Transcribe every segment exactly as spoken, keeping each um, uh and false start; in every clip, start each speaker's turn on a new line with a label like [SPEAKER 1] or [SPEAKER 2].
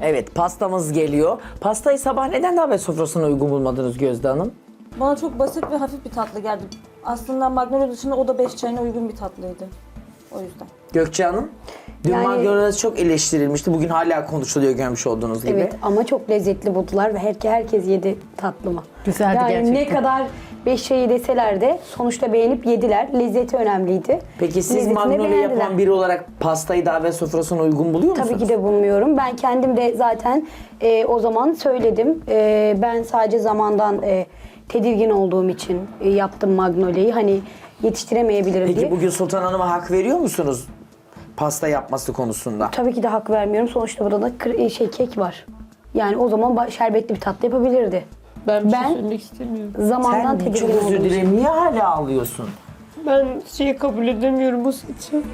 [SPEAKER 1] Evet, pastamız geliyor. Pastayı sabah neden davet sofrasına uygun bulmadınız Gözde Hanım?
[SPEAKER 2] Bana çok basit ve hafif bir tatlı geldi. Aslında Magnolia dışında o da beş çayına uygun bir tatlıydı. O yüzden.
[SPEAKER 1] Gökçe Hanım? Dün
[SPEAKER 3] Yani-
[SPEAKER 1] Magnolia'da çok eleştirilmişti. Bugün hala konuşuluyor görmüş olduğunuz gibi.
[SPEAKER 3] Evet ama çok lezzetli buldular ve her, herkes yedi tatlımı.
[SPEAKER 4] Güzeldi
[SPEAKER 3] yani
[SPEAKER 4] gerçekten.
[SPEAKER 3] ne kadar beş şeyi deseler de sonuçta beğenip yediler. Lezzeti önemliydi.
[SPEAKER 1] Peki siz
[SPEAKER 3] Lezzetini
[SPEAKER 1] Magnolia
[SPEAKER 3] beğendiler.
[SPEAKER 1] yapan biri olarak pastayı davet sofrasına uygun buluyor musunuz?
[SPEAKER 3] Tabii ki de bulmuyorum. Ben kendim de zaten e, o zaman söyledim. E, ben sadece zamandan e, tedirgin olduğum için e, yaptım Magnolia'yı. Hani yetiştiremeyebilirim
[SPEAKER 1] Peki
[SPEAKER 3] diye.
[SPEAKER 1] bugün Sultan Hanım'a hak veriyor musunuz? Pasta yapması konusunda.
[SPEAKER 3] Tabii ki de hak vermiyorum. Sonuçta burada da kır- şey kek var. Yani o zaman ba- şerbetli bir tatlı yapabilirdi.
[SPEAKER 4] Ben bir şey
[SPEAKER 3] Ben-
[SPEAKER 4] söylemek istemiyorum.
[SPEAKER 3] Zamandan
[SPEAKER 1] Sen
[SPEAKER 3] tedirgin
[SPEAKER 1] çok
[SPEAKER 3] olduğum
[SPEAKER 1] özür
[SPEAKER 3] için.
[SPEAKER 1] dilerim. Niye hala ağlıyorsun?
[SPEAKER 4] Ben şeyi kabul edemiyorum bu seçim.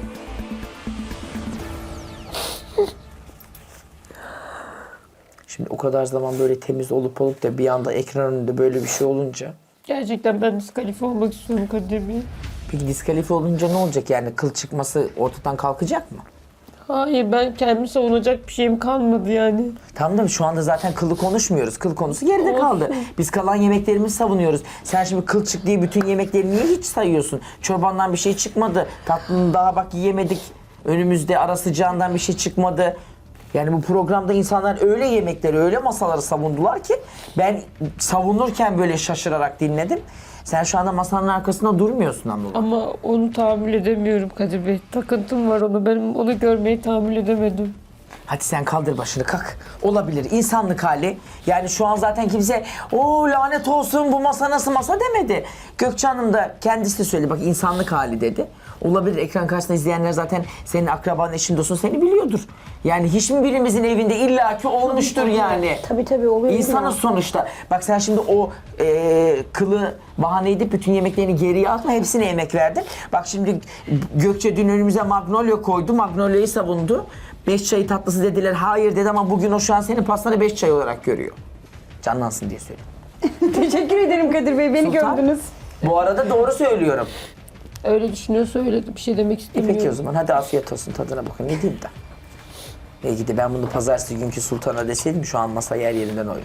[SPEAKER 1] Şimdi o kadar zaman böyle temiz olup olup da bir anda ekran önünde böyle bir şey olunca.
[SPEAKER 4] Gerçekten ben diskalifiye olmak istiyorum Kadir Bey.
[SPEAKER 1] Peki diskalifiye olunca ne olacak yani? Kıl çıkması ortadan kalkacak mı?
[SPEAKER 4] Hayır, ben kendimi savunacak bir şeyim kalmadı yani.
[SPEAKER 1] Tamam da şu anda zaten kılı konuşmuyoruz. Kıl konusu geride kaldı. Biz kalan yemeklerimizi savunuyoruz. Sen şimdi kıl çık diye bütün yemekleri niye hiç sayıyorsun? Çorbandan bir şey çıkmadı. Tatlını daha bak yiyemedik. Önümüzde ara sıcağından bir şey çıkmadı. Yani bu programda insanlar öyle yemekleri, öyle masaları savundular ki ben savunurken böyle şaşırarak dinledim. Sen şu anda masanın arkasında durmuyorsun Anadolu.
[SPEAKER 4] Ama onu tahammül edemiyorum Kadir Bey. Takıntım var ona. Benim onu görmeyi tahammül edemedim.
[SPEAKER 1] Hadi sen kaldır başını kalk. Olabilir. İnsanlık hali. Yani şu an zaten kimse o lanet olsun bu masa nasıl masa demedi. Gökçe Hanım da kendisi de söyledi. Bak insanlık hali dedi. Olabilir. Ekran karşısında izleyenler zaten senin akraban, eşin, dostun seni biliyordur. Yani hiç mi birimizin evinde illaki olmuştur yani.
[SPEAKER 3] Tabii tabii oluyor.
[SPEAKER 1] İnsanız sonuçta. Bak sen şimdi o e, kılı bahane edip bütün yemeklerini geriye atma. Hepsine emek verdin. Bak şimdi Gökçe dün önümüze Magnolia koydu. Magnolia'yı savundu. Beş çayı tatlısı dediler. Hayır dedi ama bugün o şu an senin pastanı beş çay olarak görüyor. Canlansın diye söylüyorum.
[SPEAKER 3] Teşekkür ederim Kadir Bey. Beni
[SPEAKER 1] Sultan.
[SPEAKER 3] gördünüz.
[SPEAKER 1] Bu arada doğru söylüyorum.
[SPEAKER 4] Öyle düşünüyorsa öyle bir şey demek
[SPEAKER 1] E
[SPEAKER 4] istemiyorum.
[SPEAKER 1] peki o zaman hadi afiyet olsun tadına bakın. Ne diyeyim de. Belki de ben bunu pazartesi günkü Sultan'a deseydim şu an masa yer yerinden oynuyordu.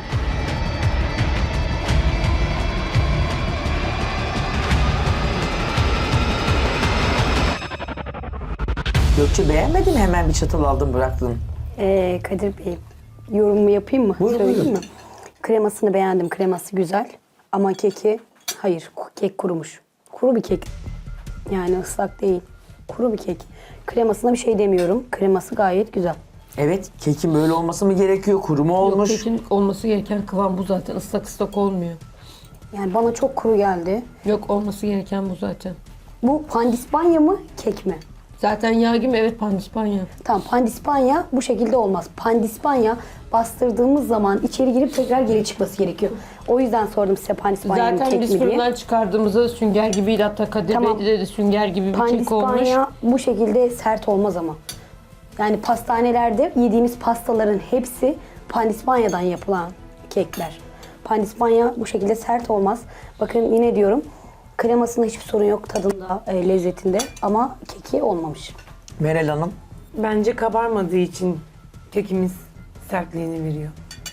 [SPEAKER 1] Gökçe beğenmedin mi? Hemen bir çatal aldım bıraktım.
[SPEAKER 3] Ee, Kadir Bey, yorumumu yapayım mı?
[SPEAKER 1] Buyurun,
[SPEAKER 3] Söyleyeyim
[SPEAKER 1] buyurun.
[SPEAKER 3] mi? Kremasını beğendim. Kreması güzel. Ama keki, hayır ku- kek kurumuş. Kuru bir kek. Yani ıslak değil. Kuru bir kek. Kremasına bir şey demiyorum. Kreması gayet güzel.
[SPEAKER 1] Evet, kekin böyle olması mı gerekiyor? Kuru mu olmuş?
[SPEAKER 4] Yok, kekin olması gereken kıvam bu zaten. Islak ıslak olmuyor.
[SPEAKER 3] Yani bana çok kuru geldi.
[SPEAKER 4] Yok, olması gereken bu zaten.
[SPEAKER 3] Bu pandispanya mı, kek mi?
[SPEAKER 4] Zaten yağ gibi, evet, pandispanya.
[SPEAKER 3] Tamam, pandispanya bu şekilde olmaz. Pandispanya bastırdığımız zaman içeri girip tekrar geri çıkması gerekiyor. O yüzden sordum size pandispanya mı,
[SPEAKER 4] Zaten
[SPEAKER 3] kek
[SPEAKER 4] biz
[SPEAKER 3] mi diye.
[SPEAKER 4] fırından çıkardığımızda sünger gibiydi. Hatta Kadir
[SPEAKER 3] Tamam.
[SPEAKER 4] Bey'de de sünger gibi bir kek olmuş.
[SPEAKER 3] Pandispanya bu şekilde sert olmaz ama. Yani pastanelerde yediğimiz pastaların hepsi pandispanyadan yapılan kekler. Pandispanya bu şekilde sert olmaz. Bakın yine diyorum, kremasında hiçbir sorun yok tadında, e, lezzetinde ama keki olmamış.
[SPEAKER 1] Meral Hanım.
[SPEAKER 5] Bence kabarmadığı için kekimiz sertliğini veriyor.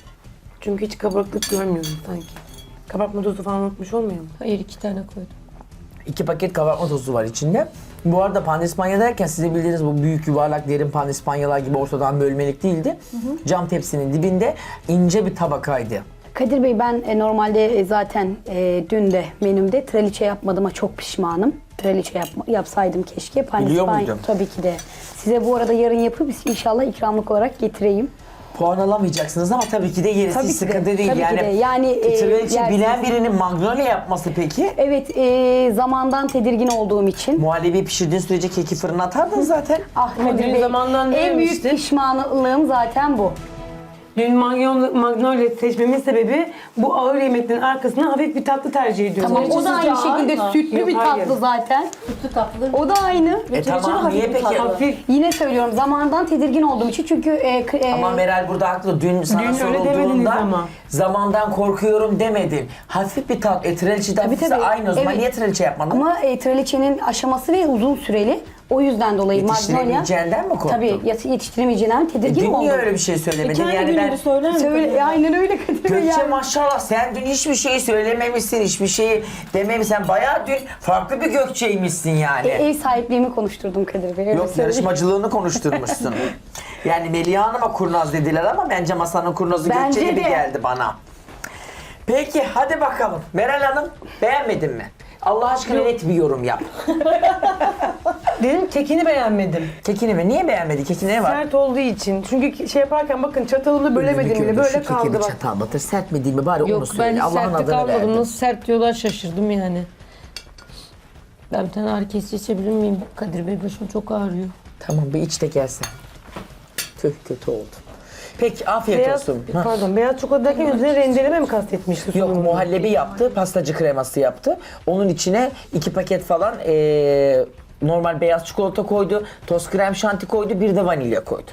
[SPEAKER 5] Çünkü hiç kabarıklık görmüyorum sanki. Kabartma tozu falan unutmuş olmuyor mu?
[SPEAKER 4] Hayır, iki tane koydum.
[SPEAKER 1] İki paket kabartma tozu var içinde. Bu arada pandispanya derken size bildiğiniz bu büyük yuvarlak derin pandispanyalar gibi ortadan bölmelik değildi. Cam tepsinin dibinde ince bir tabakaydı.
[SPEAKER 3] Kadir Bey, ben e, normalde e, zaten e, dün de menümde traliçe yapmadığıma çok pişmanım. Traliçe yapma, yapsaydım keşke.
[SPEAKER 1] Biliyor muydun?
[SPEAKER 3] Tabii ki de. Size bu arada yarın yapıp inşallah ikramlık olarak getireyim.
[SPEAKER 1] Puan alamayacaksınız ama tabii ki de gerisi
[SPEAKER 3] Tabii
[SPEAKER 1] hiç
[SPEAKER 3] ki de,
[SPEAKER 1] sıkıntı değil.
[SPEAKER 3] tabii ki
[SPEAKER 1] yani
[SPEAKER 3] de. Yani, e,
[SPEAKER 1] traliçe
[SPEAKER 3] yersiniz.
[SPEAKER 1] bilen birinin Magnolia yapması peki?
[SPEAKER 3] Evet, e, zamandan tedirgin olduğum için.
[SPEAKER 1] Muhallebi pişirdiğin sürece keki fırına atardın zaten.
[SPEAKER 3] Ah
[SPEAKER 5] Ama
[SPEAKER 3] Kadir
[SPEAKER 5] dün
[SPEAKER 3] Bey,
[SPEAKER 5] zamandan ne
[SPEAKER 3] en büyük
[SPEAKER 5] yemiştin?
[SPEAKER 3] pişmanlığım zaten bu.
[SPEAKER 5] Dün Magnolia, Magnolia seçmemin sebebi bu ağır yemeklerin arkasına hafif bir tatlı tercih ediyorum.
[SPEAKER 3] Tamam, o da aynı şekilde sütlü
[SPEAKER 5] Yok,
[SPEAKER 3] bir
[SPEAKER 5] hayır.
[SPEAKER 3] tatlı zaten.
[SPEAKER 2] Sütlü tatlı.
[SPEAKER 3] O da aynı.
[SPEAKER 1] E tamam niye peki?
[SPEAKER 5] Hafif.
[SPEAKER 3] Yine söylüyorum, zamandan tedirgin olduğum için çünkü... E, k- e,
[SPEAKER 1] Ama Meral burada haklı. Dün sana
[SPEAKER 5] Dün öyle demediniz
[SPEAKER 1] sorulduğunda
[SPEAKER 5] ama.
[SPEAKER 1] zamandan korkuyorum demedin. Hafif bir tat. E traliçe de hafifse
[SPEAKER 3] tabii.
[SPEAKER 1] aynı o zaman.
[SPEAKER 3] Evet.
[SPEAKER 1] Niye traliçe yapmadın?
[SPEAKER 3] Ama e, traliçenin aşaması ve uzun süreli. O yüzden dolayı Magnolia.
[SPEAKER 1] Yetiştiremeyeceğinden mi korktun?
[SPEAKER 3] Tabii yet- yetiştiremeyeceğinden
[SPEAKER 1] E,
[SPEAKER 3] tedirgin
[SPEAKER 1] dün
[SPEAKER 3] oldum.
[SPEAKER 1] niye öyle bir şey söylemedin?
[SPEAKER 2] Kendi
[SPEAKER 1] yani
[SPEAKER 2] gününü
[SPEAKER 1] ben...
[SPEAKER 2] söyler misin?
[SPEAKER 3] Söyle, aynen öyle Kadir Bey.
[SPEAKER 1] Gökçe
[SPEAKER 3] yani.
[SPEAKER 1] maşallah sen dün hiçbir şeyi söylememişsin, hiçbir şeyi dememişsin. Sen bayağı dün farklı bir Gökçe'ymişsin yani.
[SPEAKER 3] E, ev sahipliğimi konuşturdum Kadir Bey. öyle
[SPEAKER 1] Yok,
[SPEAKER 3] söyleyeyim.
[SPEAKER 1] yarışmacılığını konuşturmuşsun. Yani Melih Hanım'a kurnaz dediler ama bence masanın kurnazı
[SPEAKER 3] Bence
[SPEAKER 1] Gökçe gibi
[SPEAKER 3] de.
[SPEAKER 1] geldi bana. Peki hadi bakalım. Meral Hanım beğenmedin mi? Allah aşkına net bir yorum yap.
[SPEAKER 5] Dedim kekini beğenmedim.
[SPEAKER 1] Kekini mi? Niye beğenmedi? Kekine ne var?
[SPEAKER 5] Sert olduğu için. Çünkü şey yaparken bakın çatalımı bölemedim bile. Böyle
[SPEAKER 1] Şu
[SPEAKER 5] kaldı
[SPEAKER 1] keki bir
[SPEAKER 5] bak.
[SPEAKER 1] çatal batır. Sert mi değil mi? Bari onu
[SPEAKER 4] Yok ben
[SPEAKER 1] söyle.
[SPEAKER 4] hiç
[SPEAKER 1] Allah'ın
[SPEAKER 4] sertlik
[SPEAKER 1] adını
[SPEAKER 4] almadım.
[SPEAKER 1] verdim.
[SPEAKER 4] Nasıl sert diyorlar şaşırdım yani. Ben bir tane ağrı kesici içebilir miyim? Kadir Bey başım çok ağrıyor.
[SPEAKER 1] Tamam bir iç de gelsen. Tüh kötü oldu. Peki afiyet
[SPEAKER 5] Beyaz,
[SPEAKER 1] olsun. Ha.
[SPEAKER 5] pardon, beyaz çikolata derken üzerine rendeleme mi kastetmişti?
[SPEAKER 1] Yok
[SPEAKER 5] sunumu?
[SPEAKER 1] muhallebi yaptı, pastacı kreması yaptı. Onun içine iki paket falan eee, normal beyaz çikolata koydu, toz krem şanti koydu, bir de vanilya koydu.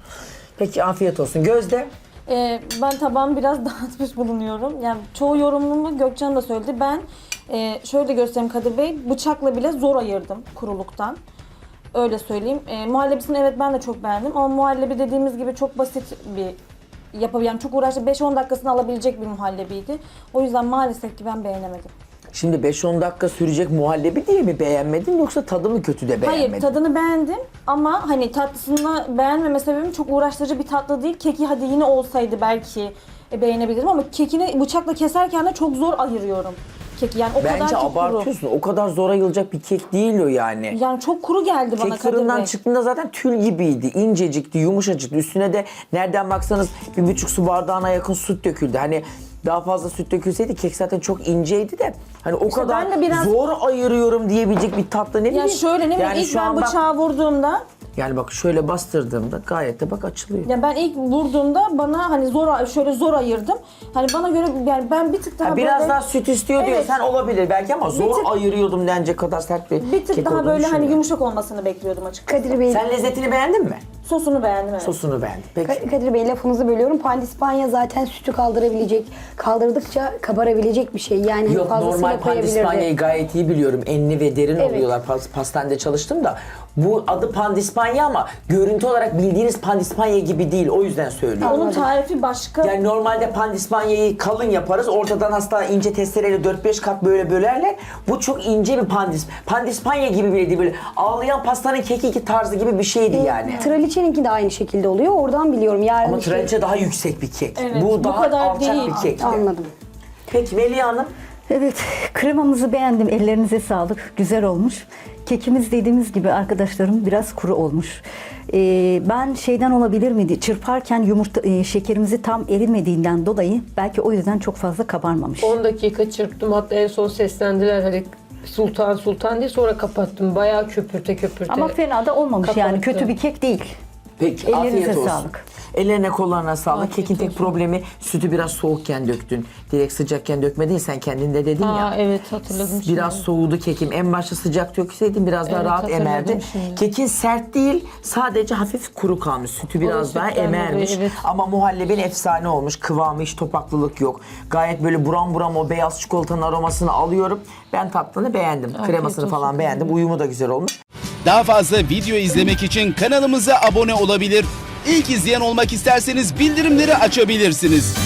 [SPEAKER 1] Peki afiyet olsun. Gözde?
[SPEAKER 2] Ee, ben tabağımı biraz dağıtmış bulunuyorum. Yani çoğu yorumumu Gökçe Hanım da söyledi. Ben e, şöyle göstereyim Kadir Bey, bıçakla bile zor ayırdım kuruluktan. Öyle söyleyeyim. E, muhallebisini evet ben de çok beğendim ama muhallebi dediğimiz gibi çok basit bir yapı. Yani çok uğraştı. beş on dakikasını alabilecek bir muhallebiydi. O yüzden maalesef ki ben beğenemedim.
[SPEAKER 1] Şimdi beş on dakika sürecek muhallebi diye mi beğenmedin yoksa tadı mı kötü de beğenmedin?
[SPEAKER 2] Hayır, tadını beğendim ama hani tatlısını beğenmeme sebebim çok uğraştırıcı bir tatlı değil. Keki hadi yine olsaydı belki e, beğenebilirim ama kekini bıçakla keserken de çok zor ayırıyorum keki. Yani o kadar
[SPEAKER 1] Bence
[SPEAKER 2] ki kuru.
[SPEAKER 1] abartıyorsun. O kadar zor ayılacak bir kek değil o yani.
[SPEAKER 2] Yani çok kuru geldi bana
[SPEAKER 1] Kek
[SPEAKER 2] Kadir
[SPEAKER 1] fırından
[SPEAKER 2] Bey.
[SPEAKER 1] çıktığında zaten tül gibiydi. İncecikti, yumuşacıktı. Üstüne de nereden baksanız bir buçuk su bardağına yakın süt döküldü. Hani daha fazla süt dökülseydi kek zaten çok inceydi de hani o kadar
[SPEAKER 2] ben de biraz-
[SPEAKER 1] zor ayırıyorum diyebilecek bir tatlı ne bileyim.
[SPEAKER 2] Ya şöyle ne bileyim
[SPEAKER 1] Yani
[SPEAKER 2] ilk
[SPEAKER 1] şu
[SPEAKER 2] ben
[SPEAKER 1] an bak-
[SPEAKER 2] bıçağı vurduğumda
[SPEAKER 1] Yani bak şöyle bastırdığımda gayet de bak açılıyor.
[SPEAKER 2] ya ben ilk vurduğumda bana hani zor şöyle zor ayırdım. Hani bana göre yani ben bir tık daha
[SPEAKER 1] Ha, biraz
[SPEAKER 2] böyle,
[SPEAKER 1] daha süt istiyor
[SPEAKER 2] Evet.
[SPEAKER 1] diyorsan olabilir belki ama zor
[SPEAKER 2] tık-
[SPEAKER 1] ayırıyordum denecek kadar sert bir,
[SPEAKER 2] bir tık
[SPEAKER 1] kek
[SPEAKER 2] daha
[SPEAKER 1] olduğunu
[SPEAKER 2] böyle hani
[SPEAKER 1] düşünmüyorum.
[SPEAKER 2] yumuşak olmasını bekliyordum açıkçası.
[SPEAKER 3] Kadir Bey,
[SPEAKER 1] Sen lezzetini beğendin mi?
[SPEAKER 2] Sosunu beğendim evet.
[SPEAKER 1] Sosunu beğendim. Peki.
[SPEAKER 3] Ka- Kadir Bey lafınızı bölüyorum. Pandispanya zaten sütü kaldırabilecek, kaldırdıkça kabarabilecek bir şey. Yani
[SPEAKER 1] Yok
[SPEAKER 3] fazlasıyla
[SPEAKER 1] normal
[SPEAKER 3] koyabilirdi.
[SPEAKER 1] pandispanyayı gayet iyi biliyorum. Enli ve derin
[SPEAKER 3] Evet.
[SPEAKER 1] oluyorlar. Pas- Pastanede çalıştım da. Bu adı pandispanya ama görüntü olarak bildiğiniz pandispanya gibi değil. O yüzden söylüyorum.
[SPEAKER 2] Onun tarifi başka.
[SPEAKER 1] Yani normalde pandispanyayı kalın yaparız. Ortadan hasta ince testereyle dört beş kat böyle bölerler. Bu çok ince bir pandis. Pandispanya gibi bile değil. Böyle ağlayan pastanın kekiki tarzı gibi bir şeydi yani.
[SPEAKER 3] Traliçeninki de aynı şekilde oluyor. Oradan biliyorum. Yarın
[SPEAKER 1] Ama
[SPEAKER 3] işte-
[SPEAKER 1] traliçe daha yüksek bir kek.
[SPEAKER 2] Evet,
[SPEAKER 1] bu
[SPEAKER 2] bu
[SPEAKER 1] daha
[SPEAKER 2] kadar
[SPEAKER 1] alçak
[SPEAKER 2] değil.
[SPEAKER 1] bir kekti.
[SPEAKER 3] Anladım.
[SPEAKER 1] Peki Melih Hanım?
[SPEAKER 6] Evet, kremamızı beğendim. Ellerinize sağlık. Güzel olmuş. Kekimiz dediğimiz gibi arkadaşlarım biraz kuru olmuş. Ee, ben şeyden olabilir miydi? Çırparken yumurta e, şekerimizi tam erimediğinden dolayı belki o yüzden çok fazla kabarmamış.
[SPEAKER 4] on dakika çırptım, hatta en son seslendiler hani sultan sultan diye, sonra kapattım. Bayağı köpürte köpürte.
[SPEAKER 6] Ama fena da olmamış yani.
[SPEAKER 4] Kapattı.
[SPEAKER 6] Kötü bir kek değil.
[SPEAKER 1] Peki
[SPEAKER 6] Ellerinize
[SPEAKER 1] afiyet olsun.
[SPEAKER 6] sağlık.
[SPEAKER 1] Ellerine kollarına sağlık.
[SPEAKER 4] Afiyet
[SPEAKER 1] Kekin tek
[SPEAKER 4] olsun.
[SPEAKER 1] problemi sütü biraz soğukken döktün. Direkt sıcakken dökmedin sen kendinde dedin
[SPEAKER 4] Aa,
[SPEAKER 1] ya.
[SPEAKER 4] evet hatırladım şimdi.
[SPEAKER 1] Biraz soğudu kekim. En başta sıcak dökseydin biraz daha
[SPEAKER 4] Evet,
[SPEAKER 1] rahat
[SPEAKER 4] hatırladım
[SPEAKER 1] emerdi.
[SPEAKER 4] şimdi.
[SPEAKER 1] Kekin sert değil, sadece hafif kuru kalmış. Sütü biraz
[SPEAKER 4] O
[SPEAKER 1] daha
[SPEAKER 4] sütten dolayı,
[SPEAKER 1] emermiş.
[SPEAKER 4] evet.
[SPEAKER 1] Ama muhallebin efsane olmuş. Kıvamı hiç topaklılık yok. Gayet böyle buram buram o beyaz çikolatanın aromasını alıyorum. Ben tatlını beğendim.
[SPEAKER 4] Afiyet
[SPEAKER 1] Kremasını
[SPEAKER 4] olsun.
[SPEAKER 1] falan beğendim. Uyumu da güzel olmuş.
[SPEAKER 7] Daha fazla video izlemek için kanalımıza abone olabilir. İlk izleyen olmak isterseniz bildirimleri açabilirsiniz.